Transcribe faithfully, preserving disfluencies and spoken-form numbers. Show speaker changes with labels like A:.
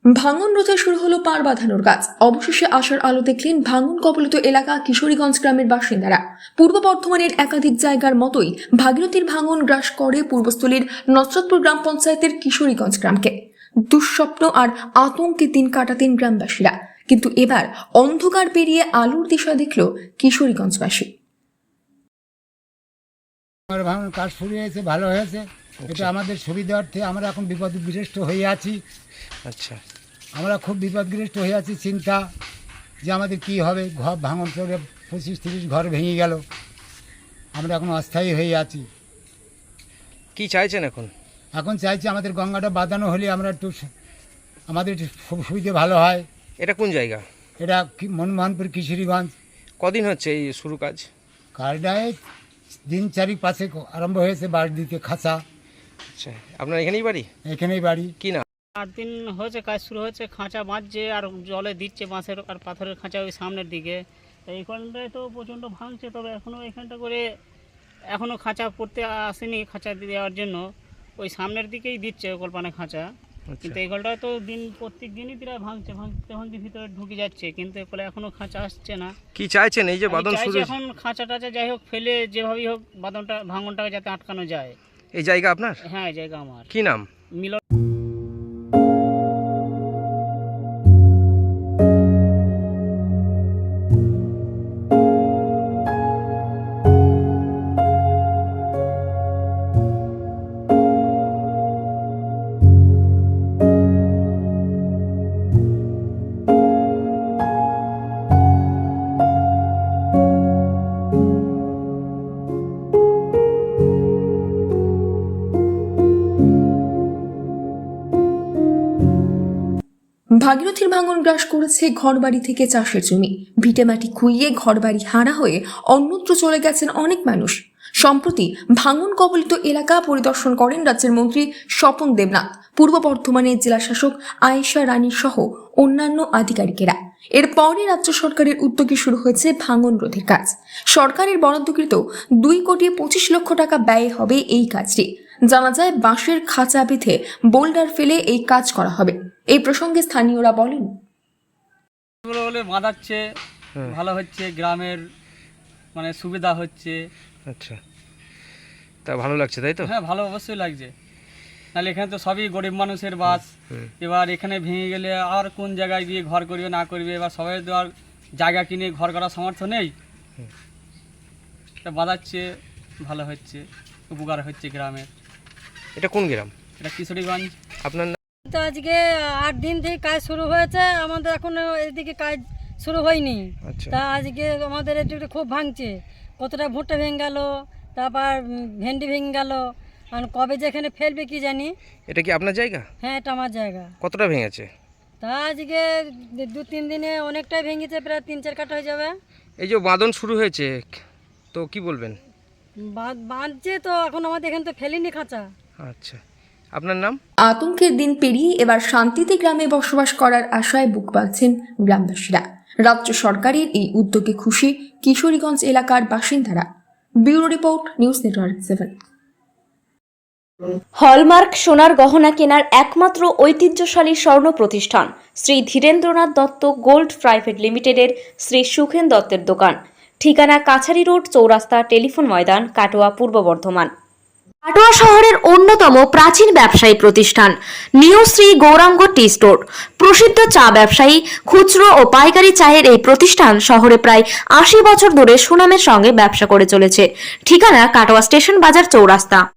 A: ভাঙন রোধে শুরু হলো পার বাঁধানোর কাজ। অবশেষে আশার আলো দেখলেন ভাঙন কবলিত এলাকা কিশোরীগঞ্জ গ্রামের বাসিন্দারা। পূর্ব বর্ধমানের একাধিক জায়গার মতোই ভাগীরথীর ভাঙন গ্রাস করে পূর্বস্থলীর নসরতপুর গ্রাম পঞ্চায়েতের কিশোরীগঞ্জ গ্রামকে। দুঃস্বপ্ন আর আতঙ্কে দিন কাটাতেন গ্রামবাসীরা, কিন্তু এবার অন্ধকার পেরিয়ে আলোর দিশা দেখল কিশোরীগঞ্জবাসী।
B: ভাঙন কাজ শুরু হয়েছে, ভালো হয়েছে। এটা আমাদের সুবিধার্থে আমরা এখন বিপদগ্রস্ত হয়ে আছি।
C: আচ্ছা,
B: আমরা খুব বিপদগ্রস্ত হয়ে আছি, চিন্তা যে আমাদের কি হবে। ঘর ভাঙন করে পঁচিশ তিরিশ ঘর ভেঙে গেল, আমরা এখন অস্থায়ী হয়ে আছি।
C: কি চাইছেন এখন?
B: এখন চাইছি আমাদের গঙ্গাটা বাঁধানো হলে আমরা একটু আমাদের একটু সুবিধে ভালো হয়।
C: এটা কোন জায়গা?
B: এটা মনমোহনপুর কিশোরীগঞ্জ।
C: কদিন হচ্ছে এই শুরু কাজ?
B: কাজটায় দিন চারিক পাশে আরম্ভ হয়েছে, বাড়ি দিতে খাঁচা।
C: আচ্ছা, আপনার এখানেই বাড়ি?
B: এখানেই বাড়ি।
C: কি না
D: আট দিন হয়েছে কাজ শুরু হয়েছে, খাঁচা বাঁধছে আর জলে দিচ্ছে বাঁশের আর পাথরের খাঁচা ওই সামনের দিকে। এইখানটায় তো প্রচণ্ড ভাঙছে, তবে এখনও এখানটা করে এখনও খাঁচা পড়তে আসেনি। খাঁচা দেওয়ার জন্য ওই সামনের দিকেই দিচ্ছে কল্পনা খাঁচা, কিন্তু এই গলটায় তো দিন প্রত্যেক দিনই প্রায় ভাঙছে, ভাঙতে ভাঙতে ভিতরে ঢুকে যাচ্ছে, কিন্তু এরপরে এখনও খাঁচা আসছে না।
C: কি চাইছেন এই যে বাঁধন শুরু?
D: এখন খাঁচা টাচা যাই হোক ফেলে যেভাবেই হোক বাঁধনটা ভাঙনটাকে যাতে আটকানো যায়।
C: এই জায়গা আপনার?
D: হ্যাঁ, এই জায়গা আমার।
C: কি নাম?
D: মিলন।
A: ভাগীরথীর ভাঙন গ্রাস করেছে ঘরবাড়ি থেকে চাষের জমি। ভিটেমাটি খুইয়ে ঘরবাড়ি হারা হয়ে অন্যত্র চলে গেছেন অনেক মানুষ। সম্প্রতি ভাঙন কবলিত এলাকা পরিদর্শন করেন রাজ্যের মন্ত্রী স্বপন দেবনাথ, পূর্ব বর্ধমানের জেলাশাসক আয়েশা রানী সহ অন্যান্য আধিকারিকেরা। এরপরে রাজ্য সরকারের উদ্যোগে শুরু হয়েছে ভাঙন রোধের কাজ। সরকারের বরাদ্দকৃত দুই কোটি পঁচিশ লক্ষ টাকা ব্যয় হবে এই কাজটি। জানা যায় বাঁশের খাঁচা বেঁধে বোল্ডার ফেলে এই কাজ করা হবে। এই প্রসঙ্গে স্থানীয়রা বলেন,
D: বলে বাঁধাচ্ছে, ভালো হচ্ছে, গ্রামের মানে সুবিধা হচ্ছে।
C: আচ্ছা, তা ভালো লাগছে তাই তো?
D: হ্যাঁ, ভালো অবশ্যই লাগছে। নাহলে এখানে তো সবই গরিব মানুষের বাস। এবার এখানে ভেঙে গেলে আর কোন জায়গায় গিয়ে ঘর করবে না করবে, এবার সবাই তো আর জায়গা কিনে ঘর করার সামর্থ্য নেই। বাঁধাচ্ছে, ভালো হচ্ছে, উপকার হচ্ছে গ্রামের।
C: এটা কোন গ্রাম?
D: এটা কিশোরীগঞ্জ।
C: আপনার নাম?
E: তো আজকে আট দিন থেকে কাজ শুরু হয়েছে, আমাদের এখনো এদিকে কাজ শুরু হয়নি।
C: আচ্ছা,
E: তা আজকে আমাদের এদিকে খুব ভাঙছে, কতটা ভুট্টা ভেঙে গেল, তারপর ভেন্ডি ভেঙে গেল, আর কবে যে এখানে ফেলবে কি জানি।
C: এটা কি আপনার জায়গা?
E: হ্যাঁ, এটা আমার জায়গা।
C: কতটা ভেঙেছে?
E: তা আজকে দু তিন দিনে অনেকটাই ভেঙেছে, প্রায় তিন চার কাঠা হয়ে যাবে।
C: এই যে বাঁধন শুরু হয়েছে, তো কি বলবেন?
E: বাঁধছে তো, এখন আমাদের এখানে তো ফেলিনি খাঁচা।
C: আচ্ছা, আপনার নাম?
A: আতঙ্কের দিন পেরিয়ে এবার শান্তিতে গ্রামে বসবাস করার আশায় বুক বাঁধছেন গ্রামবাসীরা। রাজ্য সরকারের এই উদ্যোগে খুশি কিশোরীগঞ্জ এলাকার বাসিন্দারা। Bureau report, news network seven.
F: Hallmark সোনার গহনা কেনার একমাত্র ঐতিহ্যশালী স্বর্ণ প্রতিষ্ঠান শ্রী ধীরেন্দ্রনাথ দত্ত গোল্ড প্রাইভেট লিমিটেডের শ্রী সুখেন দত্তের দোকান। ঠিকানা কাছারি রোড, চৌরাস্তা, টেলিফোন ময়দান, কাটোয়া, পূর্ব বর্ধমান। কাটোয়া শহরের অন্যতম প্রাচীন ব্যবসায়ী প্রতিষ্ঠান new Shri Gouranga tea store. প্রসিদ্ধ চা ব্যবসায়ী, খুচরো ও পাইকারি চায়ের এই প্রতিষ্ঠান শহরে প্রায় আশি বছর ধরে সুনামের সঙ্গে ব্যবসা করে চলেছে। ঠিকানা কাটোয়া স্টেশন বাজার, চৌরাস্তা।